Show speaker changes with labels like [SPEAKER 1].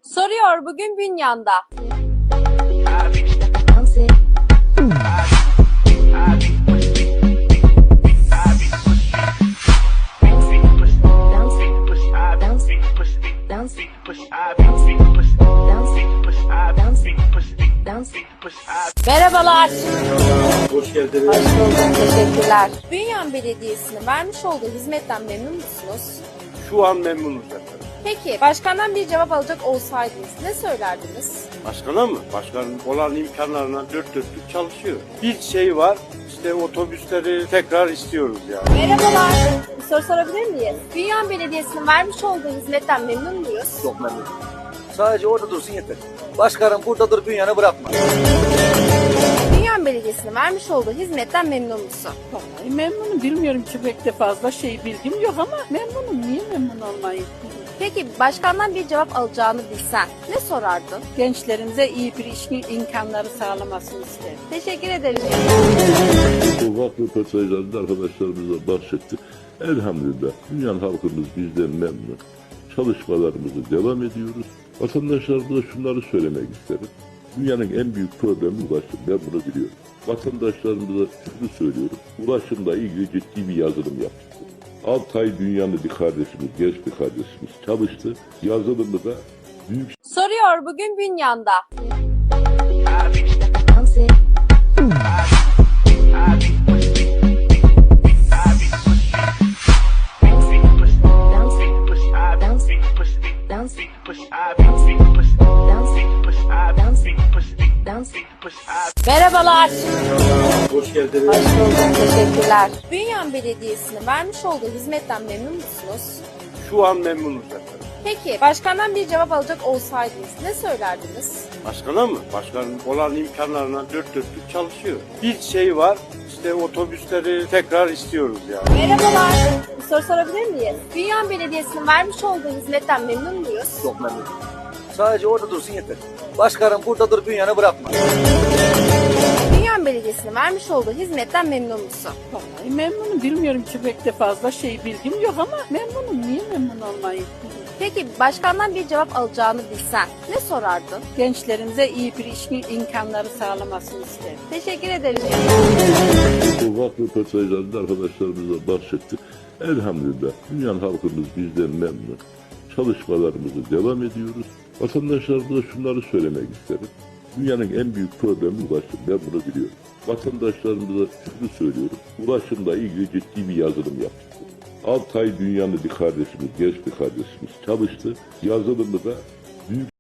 [SPEAKER 1] Soruyor bugün Bünyan'da. Merhabalar.
[SPEAKER 2] Hoş geldiniz.
[SPEAKER 1] Hoş bulduk. Teşekkürler. Bünyan Belediyesi'nin vermiş olduğu hizmetten memnun musunuz?
[SPEAKER 2] Şu an memnunuz efendim.
[SPEAKER 1] Peki başkandan bir cevap alacak olsaydınız ne söylerdiniz?
[SPEAKER 2] Başkana mı? Başkanın olan imkanlarına dört dörtlük çalışıyor. Bir şey var, işte otobüsleri tekrar istiyoruz yani.
[SPEAKER 1] Merhabalar. Bir soru sorabilir miyiz? Bünyan Belediyesi'nin vermiş olduğu hizmetten memnun muyuz?
[SPEAKER 3] Çok memnunum. Sadece orada dursun yeter. Başkanım burada dur, Bünyan'ı bırakma.
[SPEAKER 1] Bünyan Belediyesi'nin vermiş olduğu hizmetten memnun musun?
[SPEAKER 4] Vallahi memnunum. Bilmiyorum ki pek de fazla bilgim yok ama memnunum. Niye memnun olmayayım?
[SPEAKER 1] Peki başkandan bir cevap alacağını bilsen ne sorardın?
[SPEAKER 4] Gençlerimize iyi bir iş imkanları sağlamasını isterim.
[SPEAKER 1] Teşekkür ederim.
[SPEAKER 5] Sokak röportajlarında arkadaşlarımıza bahsettik. Elhamdülillah Dünyanın halkımız bizden memnun. Çalışmalarımızı devam ediyoruz. Vatandaşlarımıza şunları söylemek isterim. Dünyanın en büyük problemi ulaşım. Ben bunu biliyorum. Vatandaşlarımıza şunu söylüyorum. Ulaşımla ilgili ciddi bir yazılım yaptık. 6 ay dünyanın bir kardeşimiz, genç bir kardeşimiz çalıştı. Yazılımı da büyük
[SPEAKER 1] Soruyor bugün Bünyan'da. Merhabalar.
[SPEAKER 2] Hoş geldiniz.
[SPEAKER 1] Hoş bulduk. Teşekkürler. Bünyan Belediyesi'nin vermiş olduğu hizmetten memnun musunuz?
[SPEAKER 2] Şu an memnunuz efendim.
[SPEAKER 1] Peki başkandan bir cevap alacak olsaydınız ne söylerdiniz?
[SPEAKER 2] Başkana mı? Başkanın olan imkanlarına dört dörtlük çalışıyor. Bir şey var, işte otobüsleri tekrar istiyoruz yani.
[SPEAKER 1] Merhabalar. Bir soru sorabilir miyiz? Bünyan Belediyesi'nin vermiş olduğu hizmetten memnun muyuz?
[SPEAKER 3] Çok memnunum. Sadece orada dursun yeter. Başkanım burada dur, Bünyan'ı bırakma.
[SPEAKER 1] Bünyan Belediyesi'nin vermiş olduğu hizmetten memnun musun?
[SPEAKER 4] Vallahi memnunum. Bilmiyorum ki pek de fazla bilgim yok ama memnunum. Niye memnun olmayayım?
[SPEAKER 1] Peki başkandan bir cevap alacağını bilsen ne sorardın?
[SPEAKER 4] Gençlerimize iyi bir iş imkanları sağlamasını isterim.
[SPEAKER 1] Teşekkür ederim.
[SPEAKER 5] sokak röportajlarında arkadaşlarımıza bahsettik. Elhamdülillah Dünyanın halkımız bizden memnun. Çalışmalarımızı devam ediyoruz. Vatandaşlarımıza şunları söylemek isterim. Dünyanın en büyük problemi ulaşım. Ben bunu biliyorum. Vatandaşlarımıza şunu söylüyorum. Ulaşımla ilgili ciddi bir yazılım yaptık. 6 ay dünyanın bir kardeşimiz, genç bir kardeşimiz çalıştı. Yazılımı da büyük